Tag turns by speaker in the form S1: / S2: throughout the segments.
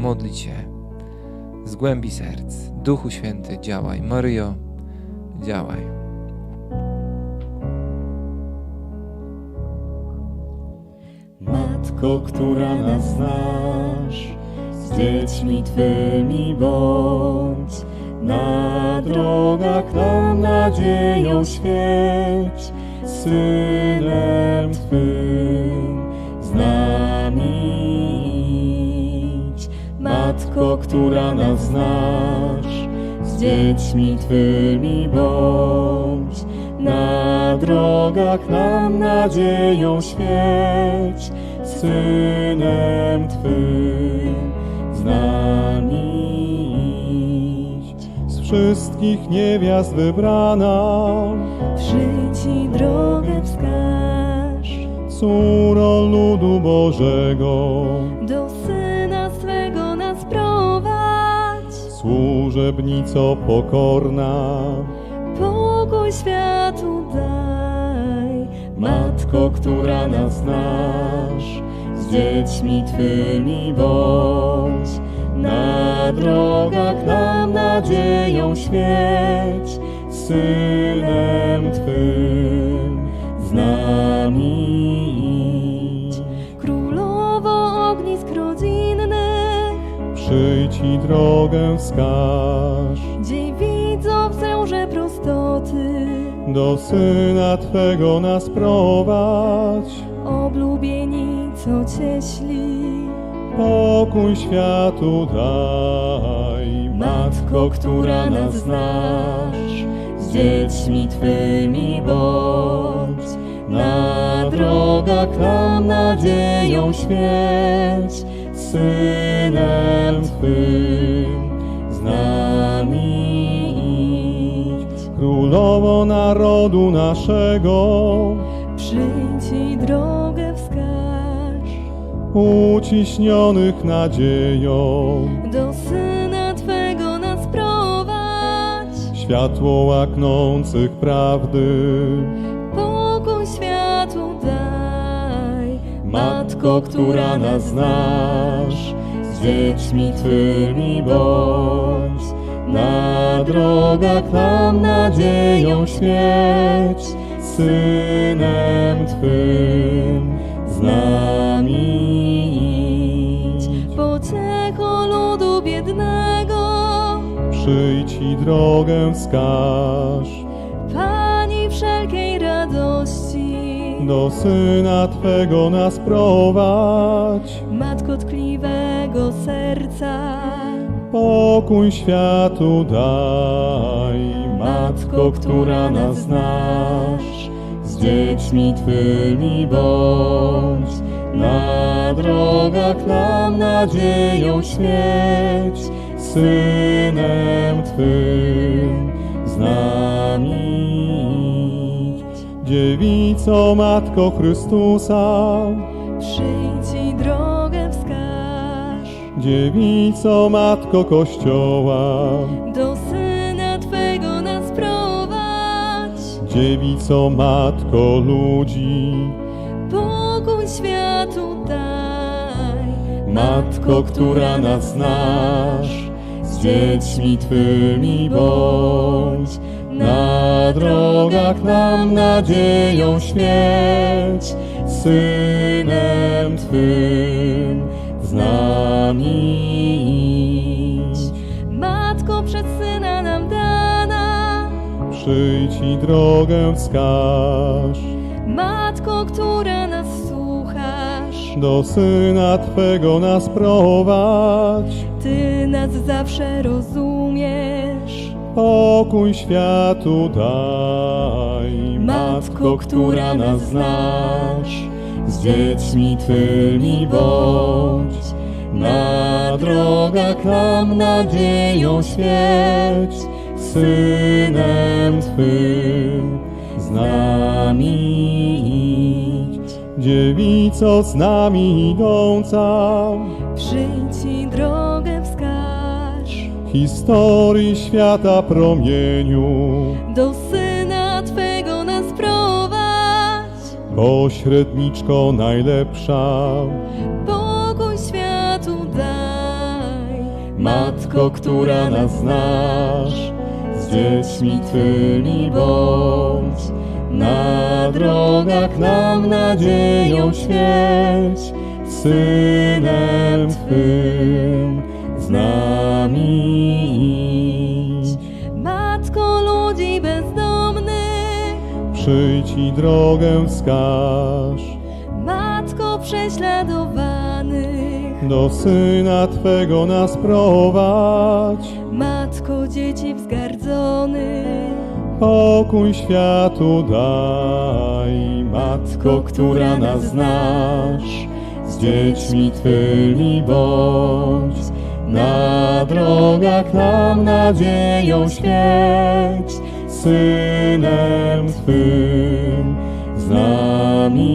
S1: modlić się z głębi serc. Duchu Święty, działaj. Maryjo, działaj.
S2: Matko, która nas znasz, z dziećmi Twymi bądź. Na drogach nam nadzieją świeć, Synem Twym z nami idź. Matko, która nas znasz, z dziećmi Twymi bądź. Na drogach nam nadzieją świeć, Synem Twym z nami idź. Z wszystkich niewiast wybrana,
S3: Przyjdź i drogę wskaż,
S2: córą ludu Bożego,
S3: do Syna swego nas prowadź.
S2: służebnico pokorna,
S3: Pokój światu daj.
S2: Matko, która nas znasz, z dziećmi Twymi bądź. Na drogach nam nadzieją świeć, Synem Twym z nami idź.
S3: Królowo ognisk rodzinnych,
S2: Przyjdź i drogę wskaż,
S3: dziewico w zełże prostoty,
S2: do Syna Twego nas prowadź.
S3: oblubienico cieśli.
S2: Pokój światu daj, Matko, która nas znasz, z dziećmi Twymi bądź. Na drogach nam nadzieją świeć, Synem Twym z nami idź. Królowo narodu naszego,
S3: Przyjdź i drogę wskaż,
S2: uciśnionych nadzieją,
S3: do Syna Twego nas prowadź.
S2: światło łaknących prawdy.
S3: Pokój światu daj.
S2: Matko, która nas znasz, z dziećmi Twymi bądź. Na drogach nam nadzieją świeć, Synem Twym z nami idź.
S3: Pociecho ludu biednego,
S2: Przyjdź i drogę wskaż,
S3: Pani wszelkiej radości.
S2: do Syna Twego nas prowadź.
S3: Matko tkliwego serca,
S2: Pokój światu daj, Matko, która nas znasz, z dziećmi Twymi bądź. Na drogach nam nadzieją świeć, Synem Twym z nami idź. Dziewico, Matko Chrystusa,
S3: przyjdź i drogę wskaż,
S2: Dziewico, Matko Kościoła,
S3: do Syna Twego nas prowadź.
S2: Dziewico, Matko ludzi,
S3: Pokój światu daj.
S2: Matko, która nas znasz, z dziećmi Twymi bądź. Na drogach nam nadzieją świeć, Synem Twym z nami idź.
S3: Matko przez Syna nam dana,
S2: Przyjdź i drogę wskaż,
S3: Matko, która nas słuchasz.
S2: do Syna Twego nas prowadź.
S3: Ty nas zawsze rozumiesz.
S2: Pokój światu daj, Matko, która nas znasz, z dziećmi Twymi bądź. Na drogach nam nadzieją świeć, Synem Twym z nami idź. Dziewico z nami idąca,
S3: Przyjdź i drogę wskaż,
S2: historii świata promieniu,
S3: do Syna Twego nas prowadź.
S2: pośredniczko najlepsza,
S3: Pokój światu daj.
S2: Matko, która nas znasz, z dziećmi Twymi bądź. Na drogach nam nadzieją świeć, Synem Twym z nami idź.
S3: Matko ludzi bezdomnych,
S2: Przyjdź i drogę wskaż,
S3: Matko prześladowanych,
S2: do Syna Twego nas prowadź.
S3: Matko dzieci wzgardzonych,
S2: Pokój światu daj, Matko, która nas znasz, z dziećmi Twymi bądź. Na drogach nam nadzieją świeć, Synem Twym z nami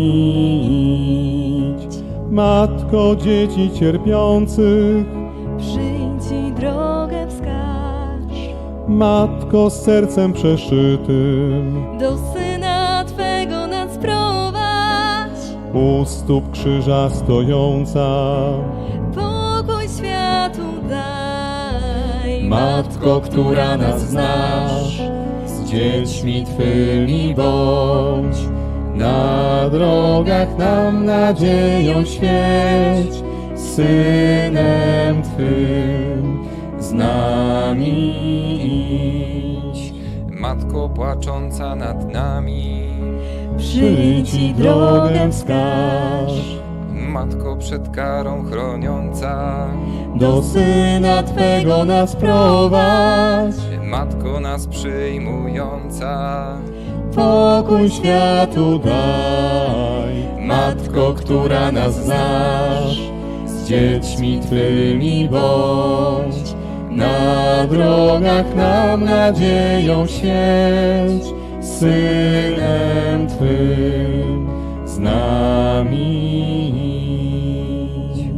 S2: idź. Matko dzieci cierpiących,
S3: przyjdź i drogę wskaż.
S2: Matko z sercem przeszytym,
S3: Do Syna Twego nas prowadź,
S2: u stóp krzyża stojąca.
S3: pokój światu daj.
S2: Matko, która nas znasz, z dziećmi Twymi bądź. Na drogach nam nadzieją świeć, Synem Twym z nami idź.
S1: Matko płacząca nad nami,
S3: Przyjdź i drogę wskaż.
S1: Matko przed karą chroniąca,
S2: Do Syna Twego nas prowadź,
S1: Matko nas przyjmująca.
S2: pokój światu daj. Matko, która nas znasz, z dziećmi Twymi bądź. Na drogach nam nadzieją świeć, Synem Twym z nami idź.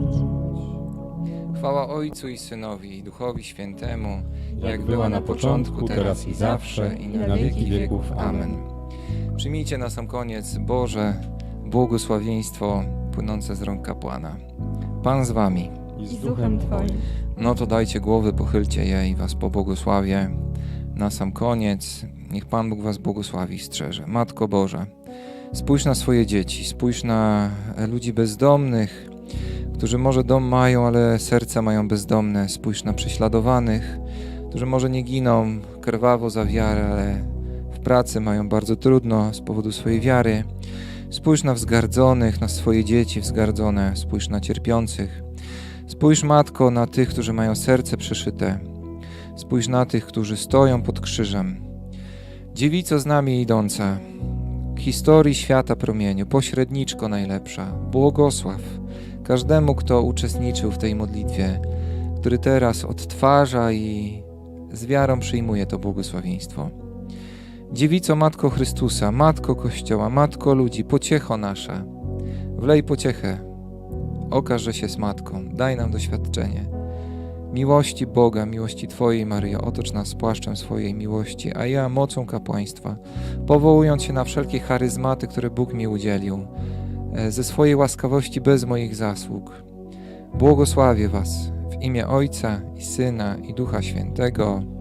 S1: Chwała Ojcu i Synowi i Duchowi Świętemu, jak była na początku, teraz i zawsze, i na wieki wieków. Amen. Przyjmijcie na sam koniec Boże błogosławieństwo płynące z rąk kapłana. Pan z wami.
S2: I
S3: z duchem Twoim.
S1: No to dajcie głowy, pochylcie je i was pobłogosławię. Na sam koniec niech Pan Bóg was błogosławi i strzeże. Matko Boża, spójrz na swoje dzieci, spójrz na ludzi bezdomnych, którzy może dom mają, ale serca mają bezdomne. Spójrz na prześladowanych, którzy może nie giną krwawo za wiarę, ale w pracy mają bardzo trudno z powodu swojej wiary. Spójrz na wzgardzonych, na swoje dzieci wzgardzone. Spójrz na cierpiących. Spójrz, Matko, na tych, którzy mają serce przeszyte. Spójrz na tych, którzy stoją pod krzyżem. Dziewico z nami idąca, historii świata promieniu, pośredniczko najlepsza, błogosław każdemu, kto uczestniczył w tej modlitwie, który teraz odtwarza i z wiarą przyjmuje to błogosławieństwo. Dziewico, Matko Chrystusa, Matko Kościoła, Matko ludzi, pociecho nasza, wlej pociechę, okaż, że się z Matką, daj nam doświadczenie miłości Boga, miłości Twojej, Maryjo, otocz nas płaszczem swojej miłości, a ja mocą kapłaństwa, powołując się na wszelkie charyzmaty, które Bóg mi udzielił, ze swojej łaskawości bez moich zasług, błogosławię Was w imię Ojca i Syna i Ducha Świętego.